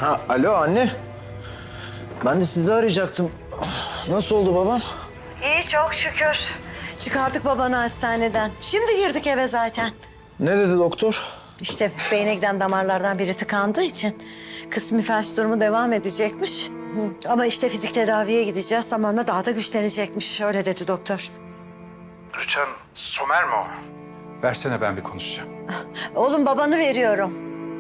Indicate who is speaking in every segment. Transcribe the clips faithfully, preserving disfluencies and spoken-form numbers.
Speaker 1: Ha, alo anne. Ben de sizi arayacaktım. Nasıl oldu babam?
Speaker 2: İyi çok şükür. Çıkardık babanı hastaneden. Şimdi girdik eve zaten.
Speaker 1: Ne dedi doktor?
Speaker 2: İşte beyne giden damarlardan biri tıkandığı için kısmi felç durumu devam edecekmiş. Hı. Ama işte fizik tedaviye gideceğiz. Zamanla daha da güçlenecekmiş. Öyle dedi doktor.
Speaker 3: Rüçhan, Somer mi o? Versene ben bir konuşacağım.
Speaker 2: Oğlum babanı veriyorum.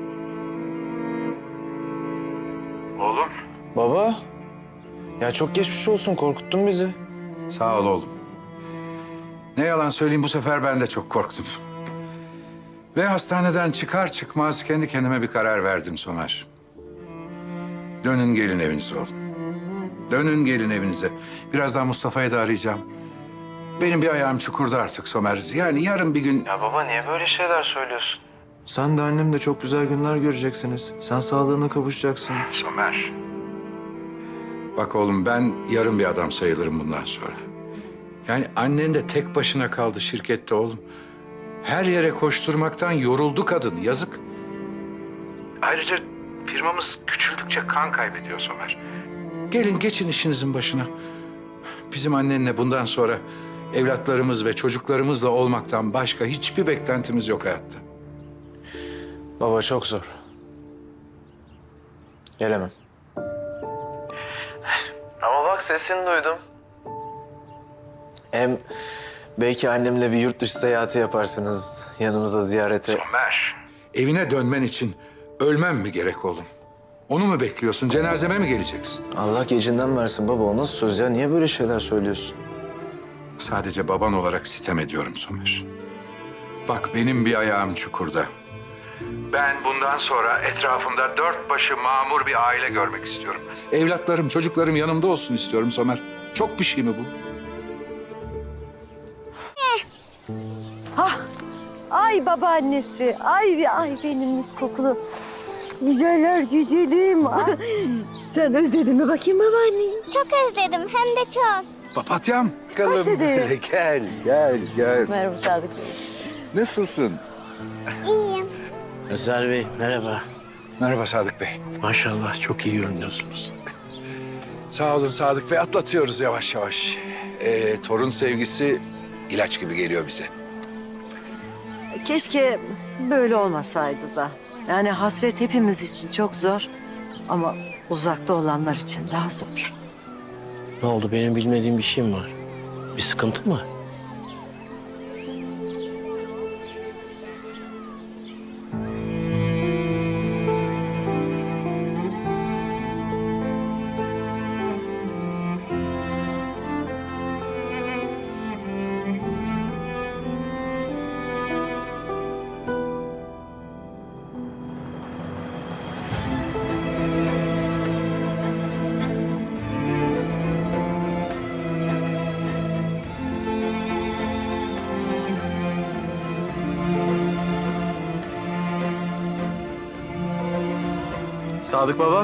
Speaker 3: Oğlum.
Speaker 1: Baba. Ya çok geçmiş olsun, korkuttun bizi.
Speaker 3: Sağ ol oğlum. Ne yalan söyleyeyim bu sefer ben de çok korktum. Ve hastaneden çıkar çıkmaz kendi kendime bir karar verdim Somer. Dönün gelin evinize oğlum. Dönün gelin evinize. Birazdan Mustafa'yı da arayacağım. Benim bir ayağım çukurda artık Somer. Yani yarın bir gün...
Speaker 1: Ya baba niye böyle şeyler söylüyorsun? Sen de annem de çok güzel günler göreceksiniz. Sen sağlığına kavuşacaksın.
Speaker 3: Somer. Bak oğlum ben yarın bir adam sayılırım bundan sonra. Yani annen de tek başına kaldı şirkette oğlum. Her yere koşturmaktan yoruldu kadın, yazık. Ayrıca firmamız küçüldükçe kan kaybediyor Somer. Gelin geçin işinizin başına. Bizim annenle bundan sonra evlatlarımız ve çocuklarımızla olmaktan başka hiçbir beklentimiz yok hayatta.
Speaker 1: Baba çok zor. Gelemem. Ama bak sesini duydum. Hem belki annemle bir yurt dışı seyahati yaparsınız yanımıza ziyarete.
Speaker 3: Somer. Evine dönmen için ölmem mi gerek oğlum? Onu mu bekliyorsun? Cenazeme mi geleceksin?
Speaker 1: Allah gecinden versin baba, o nasıl söz ya? Niye böyle şeyler söylüyorsun?
Speaker 3: Sadece baban olarak sitem ediyorum Somer. Bak benim bir ayağım çukurda. Ben bundan sonra etrafımda dört başı mamur bir aile görmek istiyorum. Evlatlarım, çocuklarım yanımda olsun istiyorum Somer. Çok bir şey mi bu?
Speaker 2: Hah. Ay babaannesi. Ay ay benim mis kokulu. Güzeller güzelim. Ay. Sen özledin mi bakayım babaanneyi?
Speaker 4: Çok özledim hem de çok.
Speaker 3: Papatyam. Bakalım.
Speaker 2: Özledim.
Speaker 3: Gel, gel, gel.
Speaker 2: Merhaba Sadık.
Speaker 3: Nasılsın?
Speaker 4: İyiyim.
Speaker 5: Özer Bey, merhaba.
Speaker 3: Merhaba Sadık Bey.
Speaker 5: Maşallah çok iyi görünüyorsunuz.
Speaker 3: Sağ olun Sadık Bey. Atlatıyoruz yavaş yavaş. Ee, torun sevgisi ilaç gibi geliyor bize.
Speaker 2: Keşke böyle olmasaydı da. Yani hasret hepimiz için çok zor. Ama uzakta olanlar için daha zor.
Speaker 5: Ne oldu, benim bilmediğim bir şey mi var? Bir sıkıntı mı?
Speaker 1: Sadık baba.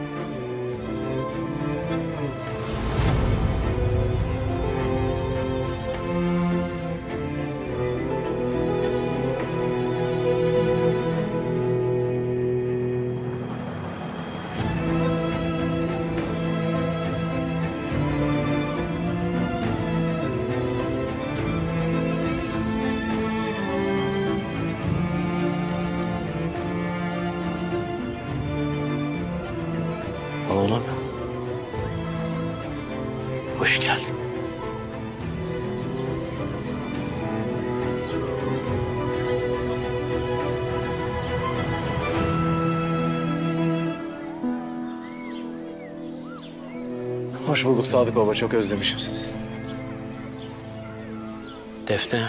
Speaker 5: Oğlum. Hoş geldin.
Speaker 1: Hoş bulduk Sadık baba, çok özlemişim sizi.
Speaker 5: Defne.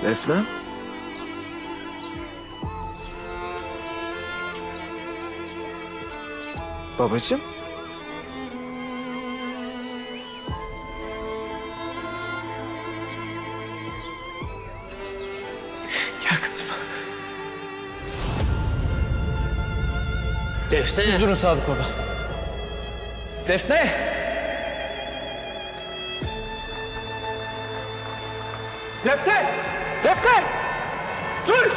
Speaker 1: Defne? Babacığım? Gel kızım.
Speaker 5: Defne.
Speaker 1: Durun Sadık baba. Defne! Defne! Defne! Dur!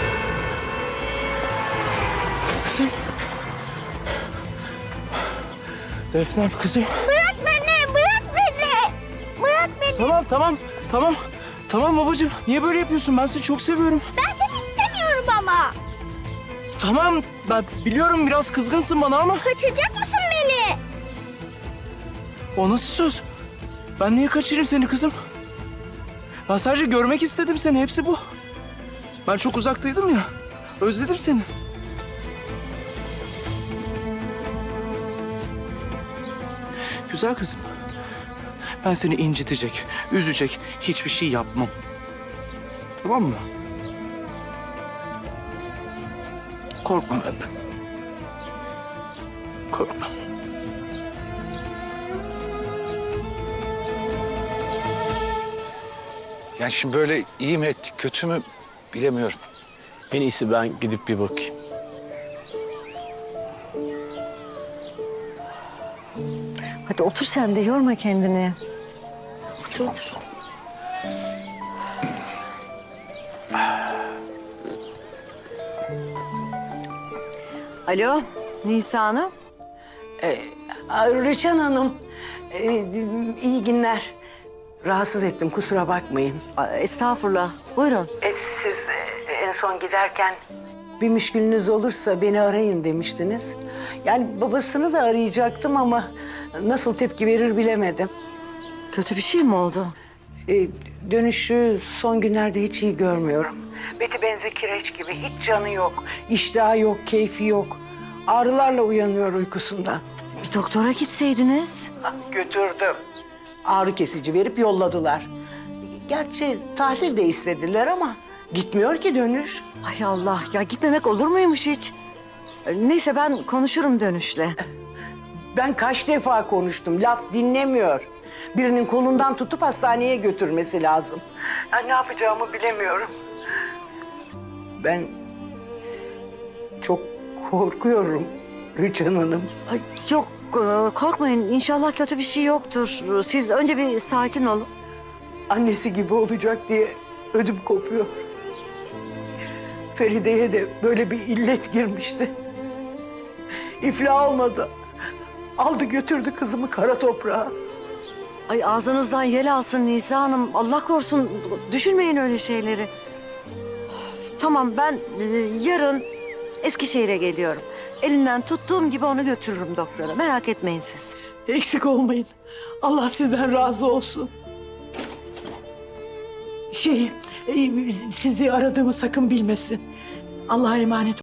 Speaker 1: Kızım. Defne kızım.
Speaker 4: Bırak beni, bırak beni. Bırak beni.
Speaker 1: Tamam tamam tamam. Tamam babacığım. Niye böyle yapıyorsun? Ben seni çok seviyorum.
Speaker 4: Ben seni istemiyorum ama.
Speaker 1: Tamam ben biliyorum biraz kızgınsın bana ama.
Speaker 4: Kaçıracak mısın beni?
Speaker 1: O nasıl söz? Ben niye kaçırayım seni kızım? Ben sadece görmek istedim seni. Hepsi bu. Ben çok uzaktaydım ya. Özledim seni. Güzel kızım. Ben seni incitecek, üzecek hiçbir şey yapmam. Tamam mı? Korkma benden. Korkma.
Speaker 3: Yani şimdi böyle iyi mi ettik, kötü mü bilemiyorum.
Speaker 5: En iyisi ben gidip bir bakayım.
Speaker 2: Hadi otur sen de yorma kendini. Otur otur. Alo Nisa Hanım.
Speaker 6: Ee, Rüçhan Hanım, e, iyi günler. Rahatsız ettim, kusura bakmayın.
Speaker 2: Aa, Estağfurullah. Buyurun.
Speaker 6: E, siz e, en son giderken bir müşkülünüz olursa beni arayın demiştiniz. Yani babasını da arayacaktım ama nasıl tepki verir bilemedim.
Speaker 2: Kötü bir şey mi oldu?
Speaker 6: E, dönüşü son günlerde hiç iyi görmüyorum. Beti benzi kireç gibi, hiç canı yok. İştahı yok, keyfi yok. Ağrılarla uyanıyor uykusundan.
Speaker 2: Bir doktora gitseydiniz.
Speaker 6: Götürdüm. Ağrı kesici verip yolladılar. Gerçi tahlil de istediler ama gitmiyor ki dönüş.
Speaker 2: Ay Allah ya gitmemek olur muymuş hiç? Neyse ben konuşurum dönüşle.
Speaker 6: Ben kaç defa konuştum, laf dinlemiyor. Birinin kolundan tutup hastaneye götürmesi lazım. Ya ne yapacağımı bilemiyorum. Ben çok korkuyorum Rüçhan Hanım.
Speaker 2: Ay, yok e, korkmayın inşallah kötü bir şey yoktur. Siz önce bir sakin olun.
Speaker 6: Annesi gibi olacak diye ödüm kopuyor. Feride'ye de böyle bir illet girmişti. İflah olmadı. Aldı götürdü kızımı kara toprağa.
Speaker 2: Ay ağzınızdan yel alsın Nisa Hanım. Allah korusun düşünmeyin öyle şeyleri. Tamam ben e, yarın Eskişehir'e geliyorum. Elinden tuttuğum gibi onu götürürüm doktora. Merak etmeyin siz.
Speaker 6: Eksik olmayın. Allah sizden razı olsun. Şey, e, sizi aradığımı sakın bilmesin. Allah'a emanet